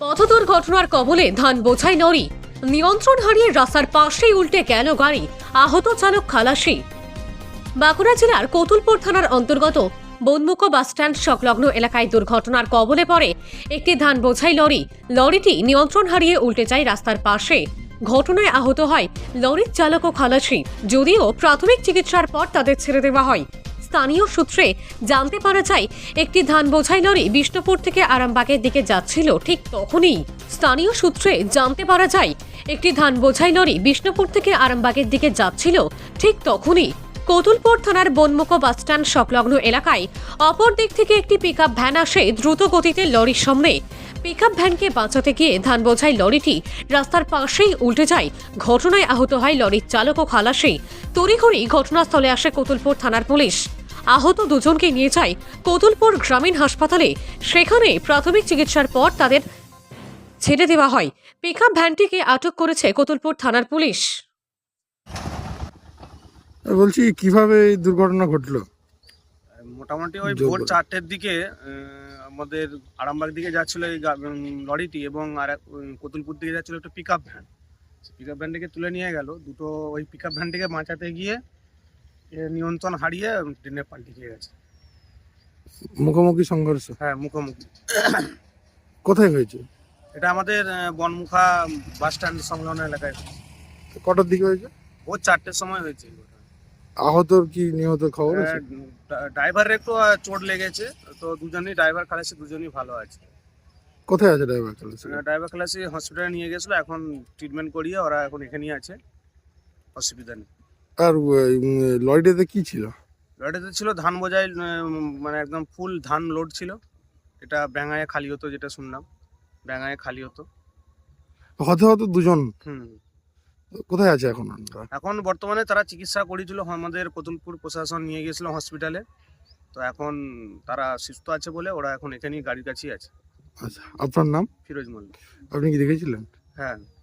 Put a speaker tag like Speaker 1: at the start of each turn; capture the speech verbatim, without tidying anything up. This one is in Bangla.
Speaker 1: পথ দুর্ঘটনার কবলে ধান বোঝাই লরি, নিয়ন্ত্রণ হারিয়ে রাস্তার পাশেই উল্টে গেল গাড়ি, আহত চালক খালাসি। বাঁকুড়া জেলার কতুলপুর থানার অন্তর্গত বনমুখো বাসস্ট্যান্ড সংলগ্ন এলাকায় দুর্ঘটনার কবলে পড়ে একটি ধান বোঝাই লরি। লরিটি নিয়ন্ত্রণ হারিয়ে উল্টে যায় রাস্তার পাশে। ঘটনায় আহত হয় লরির চালক ও খালাসি। যদিও প্রাথমিক চিকিৎসার পর তাদের ছেড়ে দেওয়া হয়। স্থানীয় সূত্রে জানতে পারা যায়, একটি ধান বোঝাই লরি বিষ্ণুপুর থেকে আরামবাগের দিকে যাচ্ছিল। ঠিক তখনই স্থানীয় সূত্রে জানতে পারা যায় একটি ধান বোঝাই লরি বিষ্ণুপুর থেকে আরামবাগের দিকে যাচ্ছিল ঠিক তখনই কতুলপুর থানার বনমুখো বাসস্ট্যান্ড সংলগ্ন এলাকায় অপর দিক থেকে একটি পিকআপ ভ্যান আসে দ্রুত গতিতে লরির সামনে। পিকআপ ভ্যানকে বাঁচাতে গিয়ে ধান বোঝাই লরিটি রাস্তার পাশেই উল্টে যায়। ঘটনায় আহত হয় লরির চালক ও খালাসি। তড়িঘড়ি ঘটনাস্থলে আসে কতুলপুর থানার পুলিশ। আহত দুজনকে নিয়ে যায় কতুলপুর গ্রামীণ হাসপাতালে। সেখানে প্রাথমিক চিকিৎসার পর তাদের ছেড়ে দেওয়া হয়। পিকআপ ভ্যানটিকে আটক করেছে কতুলপুর থানার পুলিশ।
Speaker 2: বলছি কিভাবে এই দুর্ঘটনা ঘটলো?
Speaker 3: মোটামুটি ওই ভোর চারটের দিকে আমাদের আরামবাগ দিকে যাচ্ছিল এই লরিটি এবং আর কতুলপুর দিকে যাচ্ছিল একটা pick up van. Pick up ভ্যানটিকে তুলে নিয়ে গেল দুটো। ওই পিক আপ ভ্যানটিকে বাঁচাতে গিয়ে নিয়ন্ত্রণ হারিয়ে ট্রেনে পাল্টে গিয়ে গেছে।
Speaker 2: মুখোমুখি সংঘর্ষ?
Speaker 3: হ্যাঁ, মুখোমুখি।
Speaker 2: কোথায় হয়েছে
Speaker 3: এটা? আমাদের বনমুখা বাস স্ট্যান্ড সংলগ্ন এলাকায়।
Speaker 2: কটার দিকে হয়েছে?
Speaker 3: ভোর চারটের সময় হয়েছে।
Speaker 2: আহতর কি নিহত খবর আছে?
Speaker 3: ড্রাইভারের একটু চোট লেগেছে, তো দুজনই ড্রাইভার খালাসি দুজনই ভালো আছে।
Speaker 2: কোথায় আছে ড্রাইভার খালাসি?
Speaker 3: ড্রাইভার খালাসি হসপিটালে নিয়ে গেছিলো, এখন ট্রিটমেন্ট করিয়ে ওরা এখন এখানেই আছে, অসুবিধা নেই।
Speaker 2: আর লরিটাতে কি ছিল?
Speaker 3: লরিটাতে ছিল ধান বোঝাই, মানে একদম ফুল ধান লোড ছিল। এটা ব্যাঙায় খালি হতো, যেটা শুনলাম ব্যাঙায় খালি হতো।
Speaker 2: হতে হতে দুজন।
Speaker 3: হুম
Speaker 2: কোথায় আছে এখন?
Speaker 3: এখন বর্তমানে তারা চিকিৎসা করেছিল, আমাদের কতুলপুর প্রশাসন নিয়ে গেছিল হসপিটালে। তো এখন তারা সুস্থ আছে বলে ওরা এখন এখানেই গাড়ির কাছেই আছে।
Speaker 2: আচ্ছা, আপনার নাম?
Speaker 3: ফিরোজ মল্লিক।
Speaker 2: আপনি কি দেখেছিলেন?
Speaker 3: হ্যাঁ।